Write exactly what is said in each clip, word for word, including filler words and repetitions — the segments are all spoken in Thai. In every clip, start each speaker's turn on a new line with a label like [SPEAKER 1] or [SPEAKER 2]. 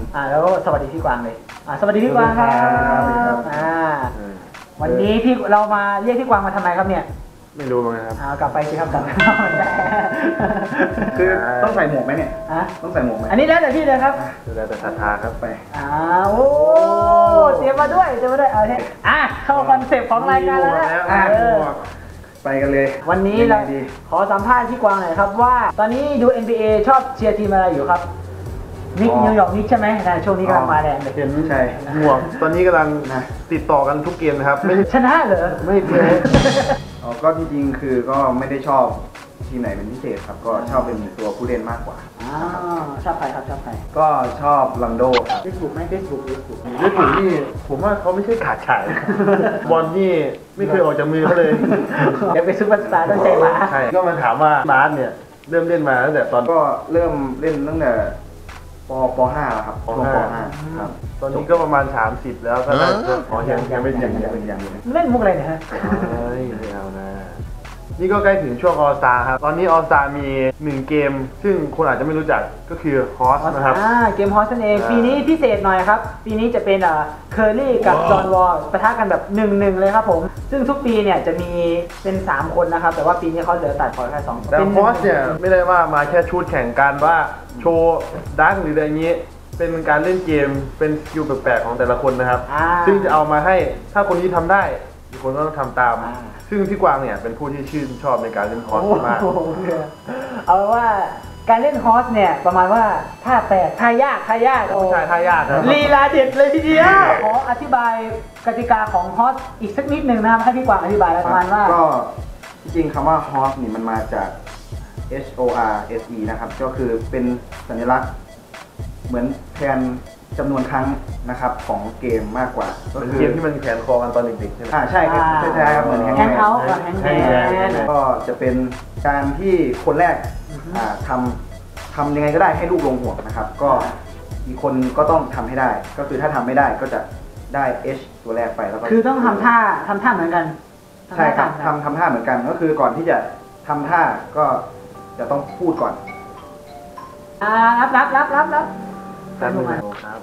[SPEAKER 1] อ่าแล้วก็สวัสดีพี่กวางเลยอ่าสวัสดีพี่กวางครับอ่าวันนี้พี่เรามาเรียกพี่กวางมาทำไมครับเนี่ย
[SPEAKER 2] ไม่รู้เหมือนกันครับ
[SPEAKER 1] อ่ากลับไปสิครับกลับไป
[SPEAKER 3] คือต้องใส่หมวกไหมเนี่ย
[SPEAKER 1] อ่ะ
[SPEAKER 3] ต้องใส่หมวกไหม
[SPEAKER 1] อันนี้แล้วแต่พี่เลยครับ
[SPEAKER 2] แล้วแต่ศรัทธาครับไป
[SPEAKER 1] อ่าโอ้เตรียมมาด้วยเตรียมมาด้วยเอาเนี่ยอ่ะเข้าคอนเซปต์ของรายการแล้วนะ
[SPEAKER 3] ไปกันเลย
[SPEAKER 1] วันนี้เราขอสัมภาษณ์พี่กวางหน่อยครับว่าตอนนี้ดู เอ็น บี เอ ชอบเชียร์ทีมอะไรอยู่ครับนิกนิวยอร์กนิกใช่ไหมนะช่วงนี้กำลังมาแรงเลย
[SPEAKER 2] ใช่ห่วงตอนนี้กำลังติดต่อกันทุกเกมนะครับไม่
[SPEAKER 1] ชนะเหรอ
[SPEAKER 2] ไม่แพ้
[SPEAKER 3] อ๋อก็จริงๆคือก็ไม่ได้ชอบทีมไหนเป็นพิเศษครับก็ชอบเป็นตัวผู้เล่นมากกว่า
[SPEAKER 1] อ๋อชอบใครครับชอบใคร
[SPEAKER 3] ก็ชอบลังโด
[SPEAKER 1] เฟซบุ๊กไหมเฟซบุ๊กเฟซบุ๊ก
[SPEAKER 2] เฟซบุ๊กนี่ผมว่าเขาไม่ใช่ขาดฉายบอลนี่ไม่เคยออกจากมือเขาเลย
[SPEAKER 1] เดี๋ยวไปซุปเปอร์สตาร์ต้องใจหมา
[SPEAKER 2] ใช่ก็มาถามว่ามาร์ทเนี่ยเริ่มเล่นมาตั้งแต่ตอน
[SPEAKER 3] ก็เริ่มเล่นตั้งแต่ปปห้าแล้วครับ
[SPEAKER 2] ปห้าครับตอนนี้ก็ประมาณสามสิบแล้วก็อ๋อยังยังไม่ยังยัง
[SPEAKER 3] ยัง
[SPEAKER 1] เล่นมุกอะไรเนี่ยฮะ
[SPEAKER 2] เฮ้ยไม่เอานะนี่ก็ใกล้ถึงช่วงออสตาครับตอนนี้ออสตามีหนึ่งเกมซึ่งคนอาจจะไม่รู้จักก็คือฮอสนะครับ
[SPEAKER 1] อ่าเกมฮอสนั่นเองปีนี้พิเศษหน่อยครับปีนี้จะเป็นอ่าเคอร์รี่กับจอห์นวอลปะทะกันแบบหนึ่งหนึ่งเลยครับผมซึ่งทุกปีเนี่ยจะมีเป็นสามคนนะครับแต่ว่าปีนี้เขาเหลือตัดพอแค่สองคน
[SPEAKER 2] แต่ฮอสเนี่ยไม่ได้ว่ามาแค่ชุดแข่งกันว่าโชว์ดังหรืออะไรอย่างนี้เป็นการเล่นเกมเป็นสกิลแปลกๆของแต่ละคนนะครับซึ่งจะเอามาให้ถ้าคนนี้ทำได้อีกคนก็ต้องทำตามซึ่งพี่กวางเนี่ยเป็นผู้ที่ชื่นชอบในการเล่นฮอสมาก
[SPEAKER 1] เอาว่าการเล่นฮอสเนี่ยประมาณว่าท่าแปลกท่ายากท่ายาก
[SPEAKER 2] ไม่ใช่ท่ายากครับ
[SPEAKER 1] ลีลาเด็ดเลยทีเดียวขออธิบายกติกาของฮอสอีกสักนิดหนึ่งนะครับให้พี่กวางอธิบายประมาณว่า
[SPEAKER 3] ก็จริงๆคำว่าฮอสนี่มันมาจาก H O R S E นะครับก็คือเป็นสัญลักษณ์เหมือนแทนจำนวนครั้งนะครับของเกมมากกว่า
[SPEAKER 2] ก็คือเกมที่มันแขนคอกันตอนเด็กๆใช่ไหม
[SPEAKER 3] อ่าใช่ครับใช่ใช่ครับเหมือน
[SPEAKER 1] แฮงเอาท์แฮงแมน
[SPEAKER 3] ก็จะเป็นการที่คนแรกอ่าทำทำยังไงก็ได้ให้ลูกลงห่วงนะครับก็อีกคนก็ต้องทำให้ได้ก็คือถ้าทำไม่ได้ก็จะได้ H ตัวแรกไปแล้วก็
[SPEAKER 1] คือต้องทำท่าทำท่าเหมือนกัน
[SPEAKER 3] ใช่ครับทำทำท่าเหมือนกันก็คือก่อนที่จะทำท่าก็จะต้องพูดก่อน
[SPEAKER 1] อ่ารับรับรับรับรับ
[SPEAKER 2] ครับครับ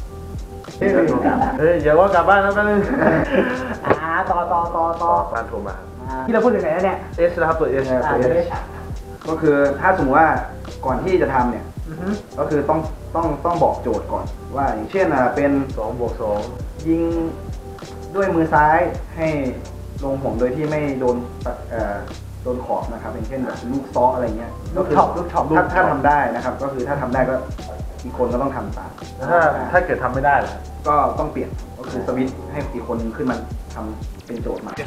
[SPEAKER 2] เฮ้ยอย่าว่ากลับบ้านแล้วกันเลย
[SPEAKER 1] อ่าต่อต่อต่อต่อ
[SPEAKER 2] บ้านโทรมา
[SPEAKER 1] ที่เราพูดถึงไหนแล้วเนี่ย
[SPEAKER 2] เอสนะครับตัวเอส
[SPEAKER 3] ตัวเอสก็คือถ้าสมมติว่าก่อนที่จะทำเนี่ยก็คือต้องต้องต้องบอกโจทย์ก่อนว่าอย่างเช่นอ่ะเป็น
[SPEAKER 2] สองบวกสอง
[SPEAKER 3] ยิงด้วยมือซ้ายให้ลงห่วงโดยที่ไม่โดนเอ่อโดนขอบนะครับอย่างเช่นแบบลูกซ้ออะไรเงี้ย
[SPEAKER 1] ลูกช็อปลูกช็อป
[SPEAKER 3] ถ้าถ้าทำได้นะครับก็คือถ้าทำได้ก็อีกคนก็ต้องทำตาม
[SPEAKER 2] ถ้าถ้าเกิดทำไม่ได้ล่ะ
[SPEAKER 3] ก็ต้องเปลี่ยนก็คือสวิตช์ให้อีกคนขึ้นมาทำเป็นโจทย์มา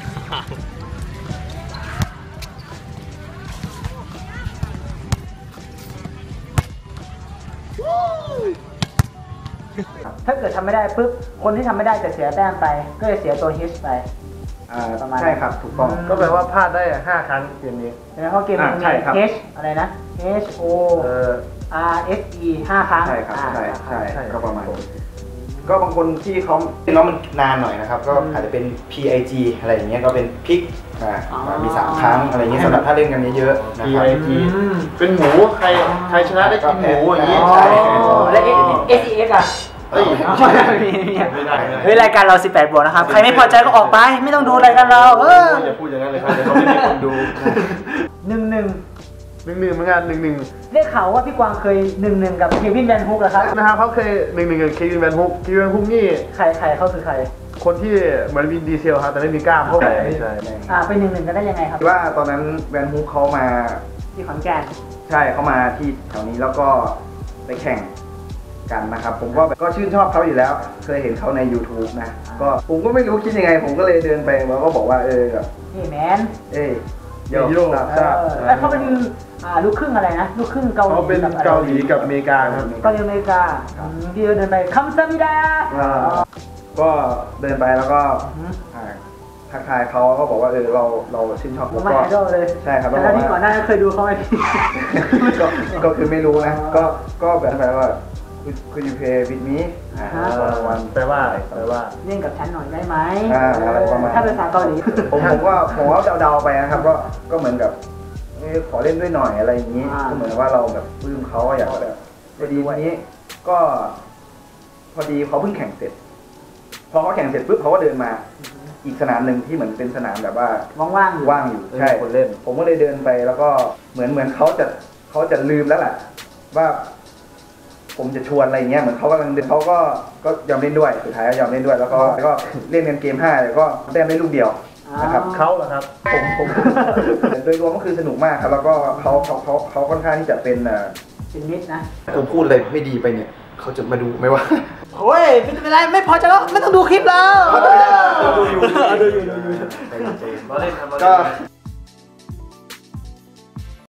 [SPEAKER 1] ถ้าเกิดทำไม่ได้ปุ๊บคนที่ทำไม่ได้จะเสียแต้มไปก็จะเสียตัว H ไป
[SPEAKER 3] ประมาณใช่ครับถูกต้อง
[SPEAKER 2] ก็แปลว่าพลาดได้ห้าครั้งเกมนี้
[SPEAKER 1] ใช่ไหมเพราะเกมนี้มี H อะไรนะ H O R S E ห้าครั้ง
[SPEAKER 3] ใช่ครับใช่ใช่ก็ประมาณก็บางคนที่เขาแล้วมันนานหน่อยนะครับก็อาจจะเป็น P I G อะไรอย่างเงี้ยก็เป็นพิกมีสามครั้งอะไรเงี้ยสำหรับถ้าเล่นกันเยอะๆ
[SPEAKER 2] P I G เป็นหมูใครใครชนะได้กินหมูอย่างนี้
[SPEAKER 1] ใช่แล้ว S E X อ่ะเฮ้ยเฮ้ยรายการเราสิบแปดบวกนะครับใครไม่พอใจก็ออกไปไม่ต้องดูรายการเราเออ
[SPEAKER 2] อย่าพูดอย่างนั้นเลยครับเดี๋ยวเขาไม่มีคนดู
[SPEAKER 1] หนึ่งหนึ่ง
[SPEAKER 2] หนึ่งหนึ่งเหมือนกันหนึ่งหนึ่ง
[SPEAKER 1] ได้ข่าวว่าพี่กวางเคยหนึ่งหนึ่งกับเควินแวนฮุกเหรอครับ
[SPEAKER 2] นะครับเขาเคยหนึ่งหนึ่งกับเควินแวนฮุกเควินแวนฮุกนี่
[SPEAKER 1] ใครใครเขาคือใคร
[SPEAKER 2] คนที่เหมือนวินดีเซลครับแต่ไม่มีกล้ามเท่าไหร่ใช่
[SPEAKER 1] อ่าเป็นหนึ่งหนึ่งกันได้ยังไงครับ
[SPEAKER 3] ว่าตอนนั้นแวนฮุกเขามา
[SPEAKER 1] ที่ขอนแก่น
[SPEAKER 3] ใช่เขามาที่แถวนี้แล้วก็ไปแข่งกันนะครับผมก็ก็ชื่นชอบเขาอยู่แล้วเคยเห็นเขาใน YouTube นะก็ผมก็ไม่รู้คิดยังไงผมก็เลยเดินไปแล้วก็บอกว่าเออแบบ
[SPEAKER 1] เฮ้ยแมน
[SPEAKER 3] เอ้ย
[SPEAKER 2] โยโย่
[SPEAKER 1] แล้วเขาเป็นอ่าลูกครึ่งอะไรนะลูกครึ่งเกาหลี
[SPEAKER 2] เขาเป็นเกาหลีกับอเมริกาครับ
[SPEAKER 1] เกาหลีอเมริกาที่เดินไปคัมซามิดา
[SPEAKER 3] ก็เดินไปแล้วก็ทักทายเขาก็บอกว่าเออเราเราชื่นชอบ
[SPEAKER 1] แล้วก็
[SPEAKER 3] ใช่ครับ
[SPEAKER 1] แล้วที่ก่อนหน้าเคยดูเขาไหม
[SPEAKER 3] ก็คือไม่รู้นะก็ก็แบบแบบว่าคุณยูเพย์วิดมี
[SPEAKER 2] วันแปลว่าแปลว่า
[SPEAKER 1] เล่นกับฉันหน่อยได้ไหม
[SPEAKER 3] ถ้า
[SPEAKER 1] ภาษาเกาหลี
[SPEAKER 3] ผมผมก็ผมว่าเดาๆไปนะครับก็ก็เหมือนกับขอเล่นด้วยหน่อยอะไรอย่างนี้ก็เหมือนว่าเราแบบปลื้มเขาอยากแบบพอดีวันนี้ก็พอดีเขาเพิ่งแข่งเสร็จพอเขาแข่งเสร็จปุ๊บเขาก็เดินมาอีกสนามหนึ่งที่เหมือนเป็นสนามแบบว่า
[SPEAKER 1] ว่างๆอยู่
[SPEAKER 3] ว่างอยู่ใช่
[SPEAKER 2] คนเล่น
[SPEAKER 3] ผมก็เลยเดินไปแล้วก็เหมือนเหมือนเขาจะเขาจะลืมแล้วแหละว่า ผมจะชวนอะไรเงี้ยเหมือนเขากำลังเดินเขาก็ก็ยอมเล่นด้วยสุดท้ายก็ยอมเล่นด้วยแล้วก็ก็เล่นกันเกมห้าแล้วก็แต้มได้ลูกเดียวนะครับ
[SPEAKER 2] เขาเหรอครับ
[SPEAKER 3] ผมผมโดยรวมก็คือสนุกมากครับแล้วก็เขาเขาเขาเขาค่อนข้างที่จะเป็นเอ่อ
[SPEAKER 1] เป็นมิตรนะ
[SPEAKER 4] ผมพูดอะไรไม่ดีไปเนี่ยเขาจะมาดูไหมวะ
[SPEAKER 1] โอ้ยไม่เป็นไรไม่พอใจก็ไม่ต้องดูคลิปแล้ว
[SPEAKER 3] ดูอยู่
[SPEAKER 1] ดูอยู่ดูอยู่
[SPEAKER 2] เราเล่นครับเรา
[SPEAKER 3] ก็
[SPEAKER 2] เล่น